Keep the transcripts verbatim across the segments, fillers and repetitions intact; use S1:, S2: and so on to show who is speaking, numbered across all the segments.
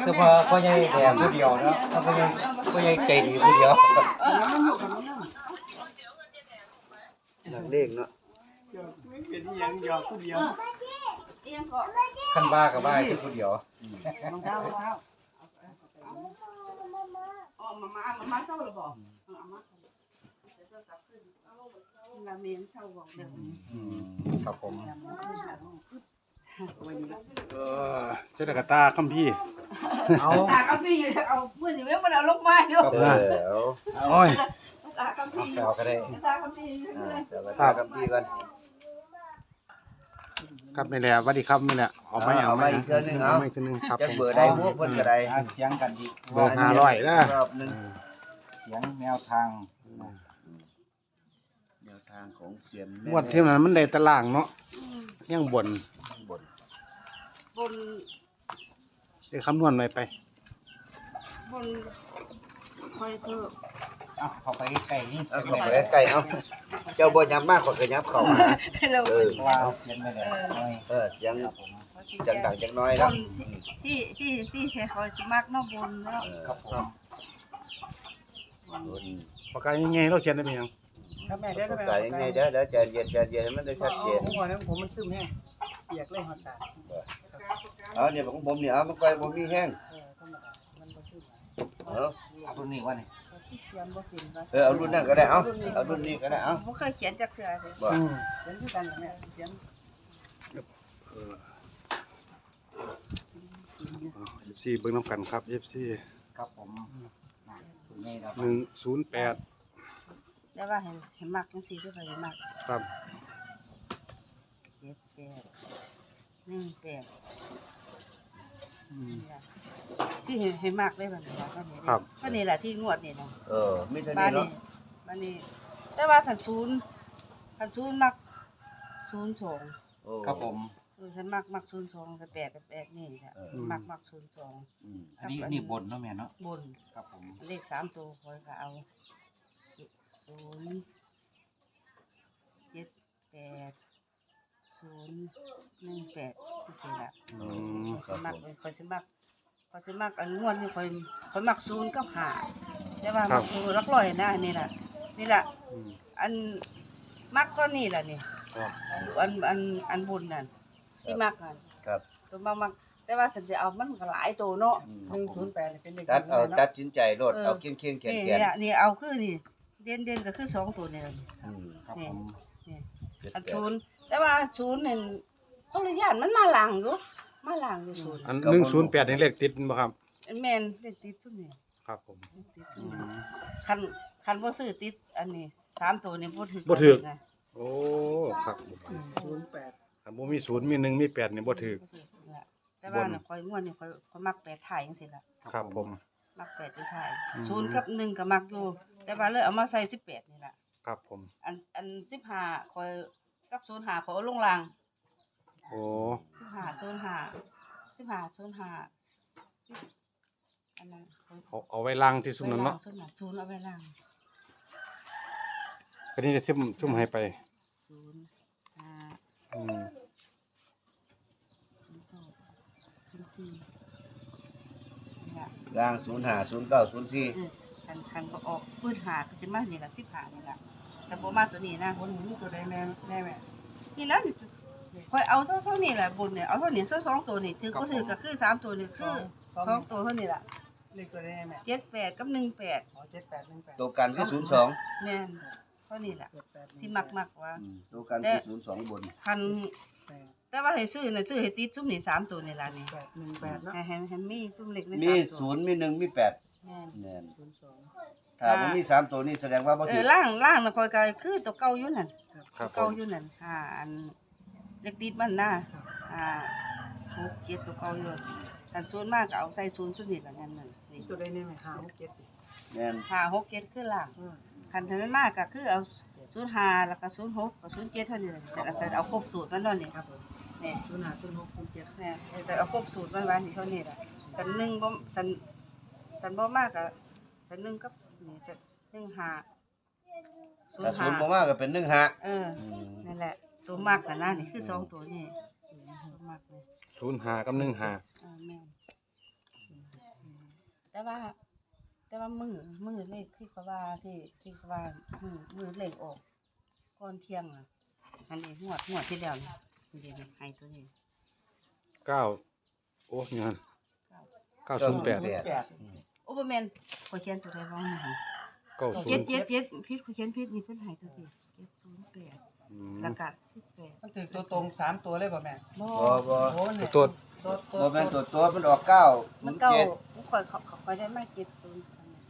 S1: คือพอพ่อใหญ่แดงผู้เดียวเนาะพ่อใหญ่พ่อใหญ่ใจดีผู้เดียวหลักเลขเนาะเป็นยังยอผู้เดียวขั้นบ้ากับบ้าคือผู้เดียวรองเท้ารองเท้าอ๋อมามามามาเศร้าหรือเปล่าเอามาเราเมียนเศร้าบอกเดี๋ยวครับผม
S2: เออเสด็จกตาคัมพี่
S3: เอาตาคัมพี่อยู่เอาเพื่อนอยู่เว้ยมันเอาลงไม้เนาะ
S1: แล้ว
S2: โอ้ย
S3: ตาคัมพี่
S1: เอาก็ได้
S3: ตาคัมพี่
S1: ตาคัมพี่กัน
S2: ครับนี่แหละสวัสดีครับนี่แหละเอาไม่เอาไม่อีกเทื่อนึงเอาไม่อีกเทื่อนึงครับ
S1: จะเบอร์ได้พวกเพิ่นก็ได้เสียงกันดี
S2: เบอร์ห้าร้อยนะ
S1: รอบนึงเสียงแนวทางแนวทางของเสียง
S2: งวดที่นั้นมันได้ตารางเนาะยังบ่น
S1: บ่น
S3: บน
S2: ได้คำนวณไว้ไป
S3: บนคอยเถอะ
S1: เอาเข้าไปใกล้นี่เอาเข้าไปใกล้เอาเจ้าบ่ยับมากกว่าก็ยับเข้ามาเออว่าเสียงไม่ได้เออเสียงจังดังจังน้อยนะ
S3: ที่ที่ที่ที่คอยสมัครเนาะบนเนาะ
S1: ครับผม
S2: ปากกายังไงเราเขียนได้มั้ยยัง
S1: ครับแม่เด้อปากกายังไงเด้อเดี๋ยวใจเย็นใจเย็นให้มันได้ชัดเจน
S4: ผมว่าผมมันซึมแห้งเปียกเลยหอดสาร
S1: เอาเนี่ยของผมเนี่ยเอามันไปบ่มีแห้ง
S4: เออธรรมดามันบ่ซึม
S1: เออเอารุ่นนี้ว่านี่
S3: เขียนบ่เป็นว่า
S1: เออเอารุ่นนั้นก็ได้เอาเอารุ่นนี้ก็ได้เอา
S3: บ่เคยเขียนจักเทื่อเลย
S1: บ่
S4: เขียนคือกันแม่เขียน
S2: เออเอฟซีเบิ่งนำกันครับ เอฟ ซี
S1: ครับผม
S2: หนึ่งศูนย์แปด
S3: แต่ว่าเห็นเห็นมักจังซี่คือไปเห็นมัก
S2: ครับ
S3: เจ็ดแปดหนึ่งแปดอืมที่เห็นเห็นมักได้บัดนี้ว่าก็นี่
S2: ครับ
S3: ก็นี่แหละที่งวดนี่นะ
S1: เออมีเท่านี้เนาะ
S3: บัดนี้แต่ว่าสันศูนย์สันศูนย์มักศูนย์สอง
S1: โอ้ครับผม
S3: เออฉันมักมักศูนย์สองกับแปดกับแปดนี่แหละมักมักศูนย์สอง
S1: อืมอันนี้นี่บนเนาะแม่เนาะ
S3: บน
S1: ครับผม
S3: เลขสามตัวคอยก็เอาศูนย์เจ็ดแปดศูนย์หนึ่งแปดที่สี่ละ
S2: อืม
S3: คอยมักคอยสิมักคอยสิมักอันงวดนี่คอยคอยมักศูนย์กับห้าใช่ป่ะมักศูนย์รักร้อยนะนี่แหละนี่แหละอันมักก็นี่แหละนี่อันอันอันบุญนั่นที่มักนั่น
S1: ครับ
S3: ตัวมักมักแต่ว่าฉันจะเอามันก็หลายตัวเนาะ
S4: หนึ่งศูนย์แปดเป็นเลข
S1: ตัดเอาตัดสินใจโลดเอาเคียงเคียงเขียน
S3: เขี
S1: ยน
S3: นี่เอาคือนี่เด่นเด่นก็คือสองตัวนี่แหละ
S1: นี่
S3: นี่อันศูนย์แต่ว่าศูนย์นี่เขาเลยย่านมันมาหลังอยู่มาหลังอยู่ศูนย์
S2: อันหนึ่งศูนย์แปดนี่เลขติดบ่ครับ
S3: แม่นเลขติดซุมนี่
S2: ครับผม
S3: คันคันบ่ซื้อติดอันนี้สามตัวนี่บ่ถึก
S2: บ่ถึกโอ้ครับ
S4: ศูนย์แปด
S2: ถ้าบ่มีศูนย์มีหนึ่งมีแปดนี่บ่ถึก
S3: แต่ว่าน่ะข่อยม่วนนี่ข่อยข่อยมักแปดถ่ายจังซี่ล่ะ
S2: ครับผม
S3: มักแปดที่ถ่ายศูนย์กับหนึ่งก็มักอยู่แต่ว่าเลยเอามาใส่สิบแปดนี่ล่ะ
S2: ครับผม
S3: อันอันสิบห้าข่อยกับศูนย์ห้าข่อยเอาลงล่าง
S2: โอ้
S3: สิบห้า ศูนย์ห้า สิบห้า ศูนย์ห้าอันนั้น
S2: เอาเอาไว้ล่างที่ซุมนั้นเนาะ
S3: ศูนย์ห้าศูนย์เอาไว้ล่าง
S2: ก็นี่จะซุ่มซุ่มให้ไป
S3: ศูนย์ห้า
S2: อืม
S1: ล่างศูนย์ห้า ศูนย์เก้า ศูนย์สี่
S3: คันคันบ่ออกปื้นหาก็สิมานี่ล่ะสิบห้านี่ล่ะแต่บ่มาตัวนี้นะ
S4: คนนี้ตัวใดแม่แม่แม่
S3: นี่แล้วนี่ข่อยเอาเท่าๆนี่แหละบุญเนี่ยเอาเท่านี้สองตัวนี่ถือบ่ถือก็คือสามตัวนี่คือสองตัวเท่านี้ล่ะ
S4: เลขตัวใดแม่
S3: เจ็ดแปดกับหนึ่งแปด
S4: อ๋อเจ็ดแปดหนึ่งแปด
S1: ตัวกันคือศูนย์สอง
S3: แม่นเท่านี้ล่ะที่มักๆว่า
S1: ตัวกันคือศูนย์สองบน
S3: คันแต่ว่าให้ซื้อน่ะซื้อให้ติดซุมนี่สามตัวนี่ล่ะนี่
S4: แปดหนึ่งแปดเนาะ
S3: ให้ให้มีซุมเล็กใน
S1: สามตัวมีศูนย์มีหนึ่งมีแปด
S3: แม่น
S1: แม่น
S4: ศูนย์สอง
S1: ถ้ามันมีสามตัวนี่แสดงว่าบ่
S3: ถูกเอ
S1: อ
S3: ล่างล่างน่ะข่อยก็คือตัวเก่าอยู่นั่น
S2: ครับ
S3: เก่าอยู่นั่นห้าอันเล็กติดมันน่ะอ่าหก เจ็ดตัวเก่าอยู่อันส่วนมากก็เอาใส่ศูนย์ซุมนี่ล่ะนั่นน่ะนี่
S4: ตัวใดนี่แม่ห้า หก เจ็ด
S1: แม่น
S3: ห้า หก เจ็ดคือล่างคันถ้ามันมากก็คือเอาศูนย์ห้าแล้วก็ศูนย์หกกับศูนย์เจ็ดเท่านี้แต่เอาครบสูตรมันเนาะนี่
S4: ครับผมนี่ศูนย์ห้า ศูนย์หก ศูนย์เจ็ด
S3: แม่แต่เอาครบสูตรมันไว้นี่เท่านี้ล่ะสันหนึ่งบ่สันสันบ่มากก็สันหนึ่งกับนี่สันหนึ่งห้า
S1: ศูนย์ห้าบ่มากก็เป็นหนึ่งห้า
S3: เออนั่นแหละตัวมากน่ะนะนี่คือสองตัวนี่ตัวมากนี่
S2: ศูนย์ห้ากับหนึ่งห้า
S3: เออแม่นแต่ว่า แต่ว่ามือมือเลขที่เขาว่าที่ที่เขาว่ามือมือเลขออกก่อนเที่ยงอ่ะอันนี้งวดงวดที่แล้วนี่นี่นี่ให้ตัวนี้
S2: เก้าโอ้ยงั้น
S3: เก้า
S2: เก้าศูนย์แปด
S4: แปด
S3: โอ้บ่แม่นข่อยเขียนตัวใดบ้างนี่
S2: เก้าศู
S3: เจ็
S2: น
S3: ด
S2: ย์
S3: เจ็ดเจ็ดผิดข่อยเขียนผิดนี่เพิ่นให้ตัวที่เจ็ดศูนย์แปด
S2: อืม
S3: แล้วก็สิบแปด
S4: มันถึงตัวตรงสามตัวเลยป่ะแม่
S3: บ่
S1: บ่บ่
S4: โอ้เนี่ย
S2: ตัว
S4: ตัวตัว
S1: บ่แม่นตัวตัวมันออกเก้า
S3: มันเก่า
S1: เจ็ด
S3: ข่อยเขาข่อยได้มาเจ็ดศูนย์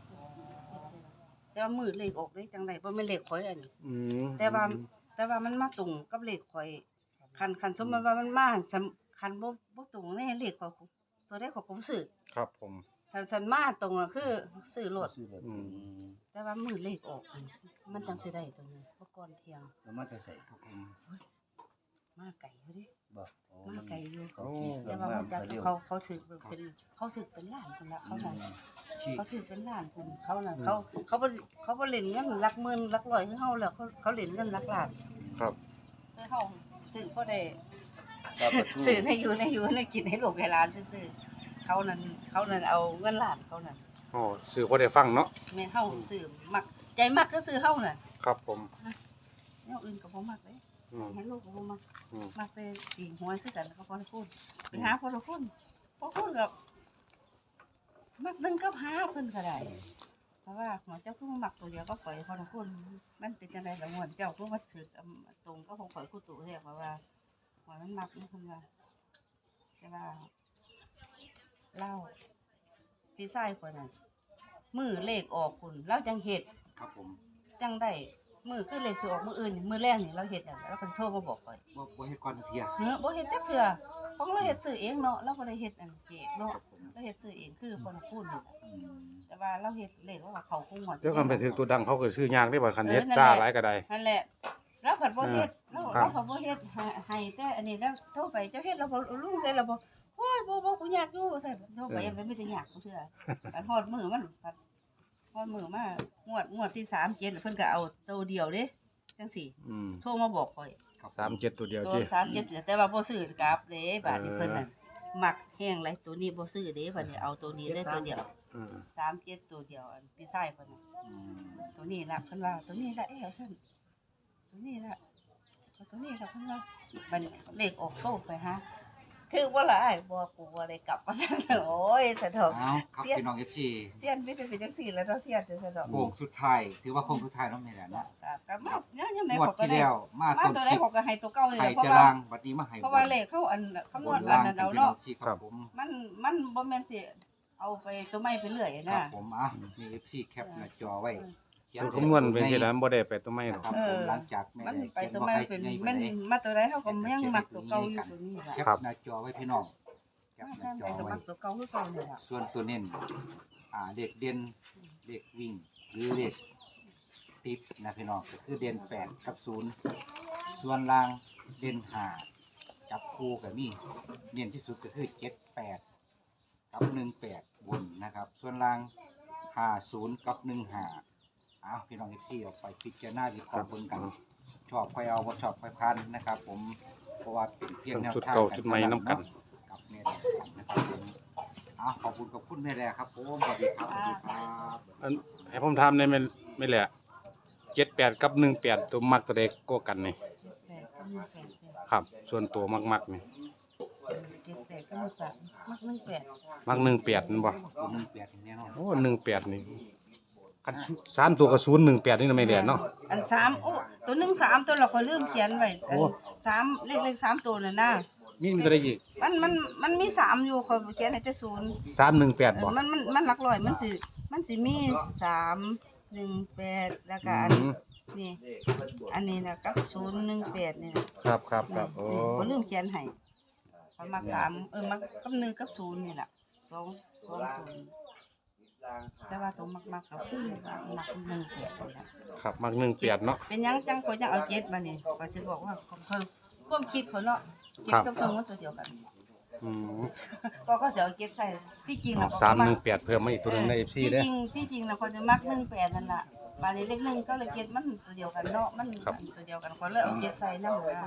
S3: แต่ว่ามือเลขออกได้จังไดบ่แม่นเลขข่อยอันนี้
S2: อืม
S3: แต่ว่าแต่ว่ามันมาตรงกับเลขข่อยคันคันสมมุติว่ามันมาสำคัญบ่บ่ตรงในเลขข่อยตัวใดข่อยก็บ่ซื้อ
S2: ครับผม
S3: ถ้าฉันมาตรงน่ะคือซื้อรถ
S2: อืม
S3: แต่ว่ามือเลขออกอันมันจังสิได้ตัวนี้เพราะก่อนเที่ยง
S1: แล้วมันจะใส่ครับผม
S3: มาไกลอยู่ดิ
S1: บ่โอ้
S3: มา
S1: มัน
S3: ไกลอยู่
S1: เขาขี่เครื่
S3: แต่
S1: อง
S3: ว่า
S1: มา
S3: มันจัก
S1: เร็ว
S3: เขาเขาถือเป็นเขาถือเป็นล้านพุ่นละเขาน่ะ
S1: ขี่
S3: เขาถือเป็นล้านพุ่นเขาน่ะเขาเขาบ่เขาบ่เล่นเงินหลักหมื่นหลักร้อยคือเฮาแล้วเขาเขาเล่นเงินหลักล้าน
S2: ครับ
S3: คือเฮาซื้อพอได้
S1: ครับประตู
S3: ซื้อให้อยู่ให้อยู่ให้กินให้ลูกให้หลานซื่อๆเขานั่นเขานั่นเอาเงินล้านเขานั่น
S2: อ๋อสื่อพอได้ฟังเนาะ
S3: แม่นเฮาซื้อมักใจมักก็ซื้อเฮาน่ะ
S2: ครับผม
S3: แนวอื่นก็บ่มักเด้
S2: อืม
S3: ให้ลูกก็บ่มัก
S2: อืม
S3: มักไปตีหวยคือกันก็พอพูดไปหาพอพูดพอพูดกับมักนึงกับหาเพิ่นก็ได้เพราะว่าหัวเจ้าคือมามักตัวเดียวก็ปล่อยพอพูดมันเป็นจังได๋ล่ะม่วนเจ้าคือว่าถึกอำตรงก็คงปล่อยคู่ตู่แท้เพราะว่าหัวมันมักนี่เพิ่นว่าแต่ว่าเล่าพี่ชายคนนั้นมือเลขออกพุ่นเราจังเฮ็ด
S2: ครับผม
S3: จังได้มือคือเลขสิออกมืออื่นนี่มือแรกนี่เราเฮ็ดหยังแล้วก็สิโทรมาบอกข่อย
S2: บ่บ่เฮ็ดก่อนเที่ย
S3: เฮ้อบ่เฮ็ดจักเทื่อของเราเฮ็ดซื้อเองเนาะเราบ่ได้เฮ็ดอันเจกเนาะ
S2: ครับผม
S3: เราเฮ็ดซื้อเองคือคนพูดนี่แหละ
S2: อืม
S3: แต่ว่าเราเฮ็ดเลขว่าเขาคงหมด
S2: เดี๋ยวกันไปถึงตัวดังเขาก็ซื้อยากได้บ่คันเฮ็ด
S3: เออนั่นแหละ
S2: จ้าหลายก็ได้
S3: นั่นแหละเราผัดบ่เฮ็ด
S2: เอ
S3: เรา
S2: อครับ
S3: เราผัดบ่เฮ็ดให้ให้แต่อันนี้แล้วโทรไปเจ้าเฮ็ดเราบ่ลุงเฮ็ดเราบ่โอ้ยบ่บ่กูอยากอยู่ว่าซั่นโทรไปยังไม่ได้อยากเทื่ออันฮอดมื้อมันผัดฮอดมื้อมางวดงวดที่สามเจ็ดเพิ่นก็เอาตัวเดียวเด้จังซี่
S2: อืม
S3: โทรมาบอกข่อย
S2: สามเจ็ดตัวเดียว
S3: ตัว
S2: เจ้
S3: สามเจ็ดแต่ว่าบ่ซื้อกลับเด้บาดนี้
S2: เออ
S3: เพิ่นน่ะมักแห้งไรตัวนี้บ่ซื้อเด้บัดนี้เอาตัวนี้ได้ตัวเดียว
S2: อืม
S3: สามเจ็ดตัวเดียวอันพี่ชายเพิ่นน่ะ
S2: อืม
S3: ตัวนี้ล่ะเพิ่นว่าตัวนี้ล่ะเอ้าซั่นตัวนี้ล่ะเอาตัวนี้ล่ะเพิ่นว่าบัดนี้เลขออกโตไปหาถือบ่ล่ะอ้ายบ่กูบ่ได้กลับว่าซั่นโอ้ยสะดอก
S5: เอาครับพี่น้องเอฟซี
S3: เสียนมีแต่เป็นจังซี่แหล้วเนาะเสียนเด้อสะดอก
S5: โค้งสุดท้ายถือว่าโค้งสุดท้ายเน้องแม่แหละเนาะ
S3: ครับครับมาเนี่ยยังได๋
S5: งวด
S3: เขาก็
S5: ที่
S3: ได้
S5: แล้วมา
S3: มา
S5: ต้น
S3: ตัว
S5: ค
S3: ใด
S5: ลิป
S3: เขาก็ให้ตัวเก่านี่
S5: ไห้
S3: แหละเพราะ
S5: จะ
S3: ว่า
S5: ล่างบัดนี้มาให้
S3: เพราะว่าเลขเขาอันคำนวณอันนั้นเอาเนาะ
S5: พี่ครับผม
S3: มันมันบ่แม่นสิเอาไปตัวใหม่ไปเรื่อย
S5: ครั
S3: นะ
S5: บผมอ่ะมีเอฟซีแคปหน้าจอไว้
S2: สูตรคำนวณเป็นสิแล้วบ่ได้ไปตัวไม่หรอก
S5: ครับผมหลังจากแม่
S3: มัน
S5: ได้
S3: ไป
S5: เขียน
S3: ตัว
S5: ว่า
S3: ใหม่
S5: ให้
S3: เป็น
S5: ใหญ่
S3: มัน
S5: บ่ได้
S3: มาตัวใดเฮาก็ยังมักตัวเก่าอยู่ตัวนี้ล่ะ
S5: แคปหน้าจอไว้พี่น้องแคป
S3: มา
S5: หน้า
S3: ทาง
S5: จ
S3: ใด
S5: อ
S3: ก็
S5: ไว้
S3: มักตัวเก่าคือเก่านี่ล่ะ
S5: ส่วนตัวเน้นอ่าเลขเด่นเลขวิ่งหรือเลขติดนะพี่น้องก็คือเด่นแปดกับศูนย์ส่วนล่างเด่นห้าจับคู่กับนี่เน้นที่สุดก็คือเจ็ดแปดกับหนึ่งแปดบนนะครับ ส่วนล่างห้าศูนย์กับหนึ่งห้าอ้าวพี่น้องเอฟซีออกไปพิจารณาวิเคราะห์เบิ่งกัน ชอบค่อยเอาบ่ชอบค่อยพันนะครับ ผมเพราะว่าเป็นเพียงแนว
S2: ชุด
S5: ทาง
S2: เก่าชุดใหม่น้ำกัน
S5: กับแม่แดงนะครับผมอ้าวขอบคุณขอบคุณแม่แดงครับผมสวัสดีครับสวัสดีครับ
S2: อันให้ผมถามได้แม่นไม่แหละเจ็ดแปดกับหนึ่งแปดตัวมักตัวใดกว่ากันนี่
S3: แปดก็มีแปดแปด
S2: ครับ ส่วนตัวมักๆนี่
S3: เจ็ดแปดก็มีแปดมักหนึ่งแปด
S2: มักหนึ่งแปดนั่นบ่
S5: ผมมึงแปดแน่นอน
S2: โอ้หนึ่งแปดนี่คันสามตัวกับศูนย์หนึ่งแปดนี่นะไม่แหละเนาะ
S3: อันสามโอ้ตัวหนึ่งสามตัวเราก็ลืมเขียนไว้อัน
S2: โอ้
S3: สามเลขเลขสามตัวน่ะนะ
S2: มีมีตัวใดอีก
S3: มันมันมันมีสามอยู่ข่อยเขียนให้แต่ศูนย์
S2: สามหนึ่งแปด
S3: เอ
S2: บ่
S3: อมันมันมันหลักร้อยมันสิมันสิมีสามหนึ่งแปดแล้วก็อัน
S2: อืม
S3: นี่อันนี้นะกับศูนย์หนึ่งแปดนี่นะครับ
S2: ครับครับโอ้
S3: นี่บ่ลืมเขียนให้เขามักสามเออมักกับหนึ่งกับศูนย์นี่ล่ะสองสองตัวนี่แต่ว่าตัวมักมักๆก็คือว่ามักหนึ่งแปดนี่ล่ะ
S2: ครับมักหนึ่งแปดเนาะ
S3: เป็นหยังจังข่อยจังเอาเจ็ดมานี่ข่อยสิบอกว่าเขาเขาความคิดเขาเนาะเจ็ด
S2: ครับ
S3: กับเพิ่งมันตัวเดียวกัน
S2: อืม
S3: ก็ก็สิเอาเจ็ดใส่ที่จริง
S2: เอา
S3: น่ะ
S2: สามหนึ่งแปดเพิ่มมาอีกตัวหนึงในเอฟซี
S3: ที่
S2: เด้อ
S3: จริงที่จริงนะคนจะมักหนึ่งแปดนั่นแหละบาลีเลขหนึ่งก็เลยเก็ดมันตัวเดียวกันเนาะมัน
S2: ครับ
S3: ตัวเดียวกันคนเลยเอาเก็ดใส่น้ำนะ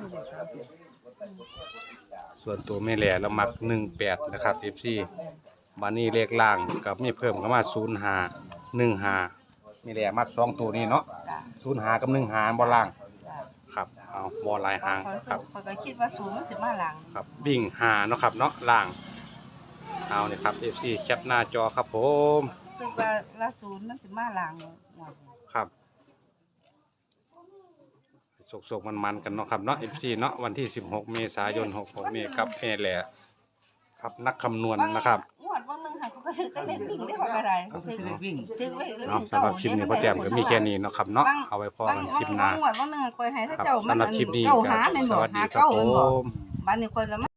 S2: ส่วนตัวแม่แหล่เรามักหนึ่งแปดนะครับเอฟซีบัดนี้เลขล่างกับมีเพิ่มเข้ามาศูนย์ห้าหนึ่งห้านี่แหละมักสองตัวนี้เนาะ
S3: จ้ะ
S2: ศูนย์ห้ากับหนึ่งห้าบ่ล่าง
S3: จ้ะ
S2: ครับเอาบ่หลายหาง
S3: ข้อย
S2: ครับ
S3: ข้อยก็คิดว่าศูนย์มันสิมาหลัง
S2: ครับวิ่งหาเนาะครับเนาะล่างเอาเนี่ยครับ เอฟ ซี แคปหน้าจอครับผม
S3: คิดว่าละศูนย์มันสิมาหลังงวดนี้
S2: ครับสกๆมันๆกันเนาะครับเนาะ เอฟ ซี เนาะวันที่สิบหกเมษายนหกหกนี้ครับแม่แหละครับนักคำนวณนะครับ
S3: งวดวันหนึงค่ะก็คือก็เล่นวิ่งได้บ่ก็ได้
S5: ก็คือเลขวิ่ง
S3: ถึงไว้
S2: เนาะสำหรับคลิปนี้พ่อแต้มก็มีแค่นี้เนาะครับเนาะเอาไว้พอกันคลิปหน้า
S3: บางงวดวันหนึงข่อยให้ถ้า
S2: ครับ
S3: เจ้ามัน
S2: สำหรับคลิปนี้
S3: เก้า
S2: ก็
S3: หาแม่น
S2: ส
S3: บ่
S2: วัสดี
S3: หา
S2: ครับ
S3: เก้า
S2: ผ
S3: แม่นบ่
S2: ม
S3: บัดนี้ข่อยละ